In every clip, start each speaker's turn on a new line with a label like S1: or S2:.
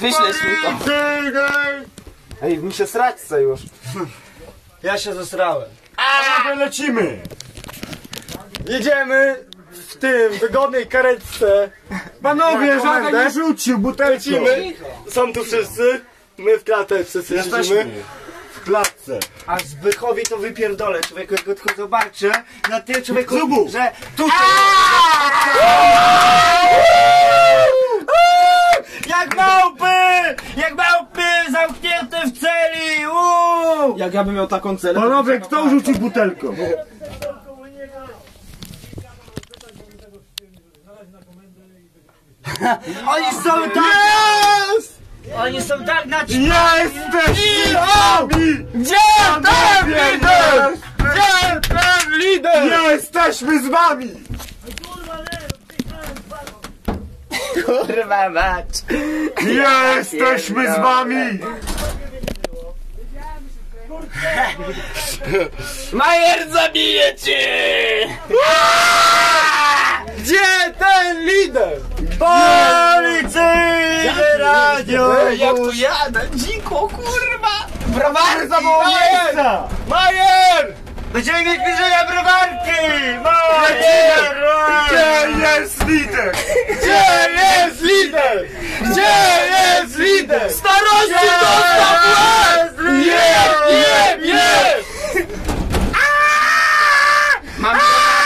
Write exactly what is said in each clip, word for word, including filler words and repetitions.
S1: Wyślesz mi to. Ej, mi się srać chce już.
S2: Ja się zesrałem.
S3: A lecimy!
S2: Jedziemy w tym wygodnej karetce.
S3: Panowie, żaden nie rzucił butelką.
S2: Lecimy. Są tu wszyscy. My w klatce wszyscy siedzimy.
S3: W klatce.
S4: A Zbychowi to wypierdolę, człowieku, jak go tylko zobaczę, na tym człowieku,
S3: Zubu.
S4: że tutaj... Jak małpy! Jak małpy zamknięte w celi! Uuu!
S1: Jak ja bym miał taką celę...
S3: Panowie, kto rzucił butelką?
S4: Oni są tak...
S3: Jest!
S4: Oni są tak na...
S3: Jesteśmy z wami!
S2: Gdzie ten lider? Gdzie ten lider?
S3: Jesteśmy z wami!
S1: Kurwa mać.
S3: Jesteśmy z wami!
S1: Majer zabije cię!
S2: Gdzie ten lider?
S4: Policyjne radio!
S1: Ej, jak tu jadę? Dziko, kurwa! Browary
S2: Majer! Majer!
S4: Będziemy mieć bliżej browarki! Majer!
S3: Gdzie jest lider?
S2: Gdzie jest lider? Gdzie jest lider?
S1: Starości dostał łeb!
S2: Jeb, jeb, jeb!
S1: Mam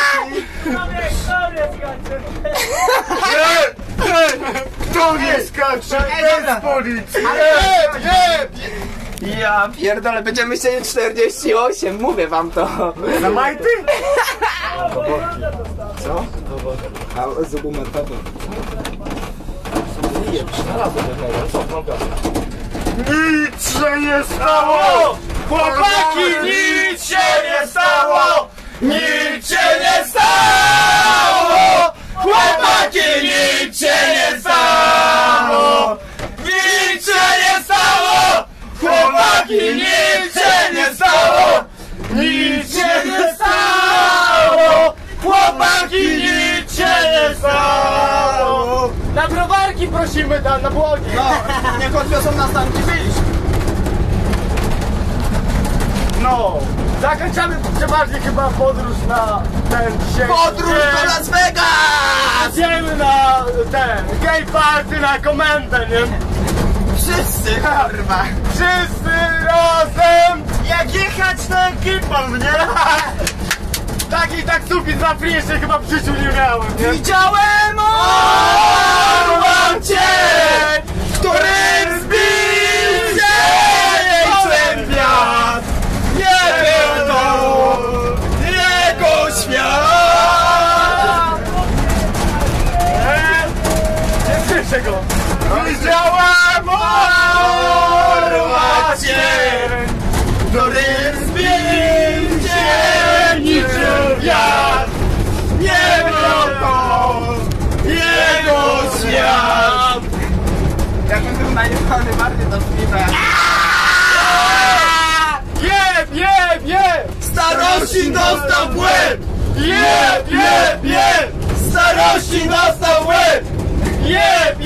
S3: Ej, ej, kto nie skacze bez policji?
S2: Jeb, jeb!
S1: Ja pierdolę, będziemy siedzieć czterdzieści osiem, mówię wam to.
S3: Na majty?
S1: Co? A zubu metodą. Nie, znalazłem jednego, co?
S3: Nic się nie stało!
S2: Chłopaki, nic się nie stało! Nic się nie stało! Chłopaki, nic się nie stało! Nic się nie stało! Chłopaki, nic się nie stało! Nic się nie stało! Chłopaki, nic się nie stało! Na browarki prosimy tam, na błogi!
S1: No, niech odwiozą nas tam, gdzie byliśmy.
S2: No! Zakończamy przeważnie chyba podróż na ten dzisiaj.
S1: Podróż do Las Vegas!
S2: Idziemy na ten gay party na komendę, nie?
S1: Wszyscy, kurwa.
S2: Wszyscy razem!
S4: Jak jechać na ekipą, nie?
S2: Takiej taksówki za free jeszcze chyba w życiu nie miałem, nie?
S1: Widziałem orłam cię, którym zbił się jejcem wiatr. Nie był to jego świat.
S2: Nie słyszę go!
S3: Widziałem
S1: Orła cię, którym zbił się niczym wiatr. Nie był to jego świat. Jakbym był najebany bardziej do śpiewa.
S2: Jeb, jeb, jeb!
S1: Starości dostał w łeb!
S2: Jeb, jeb, jeb!
S1: Starości dostał w łeb!
S2: Jeb,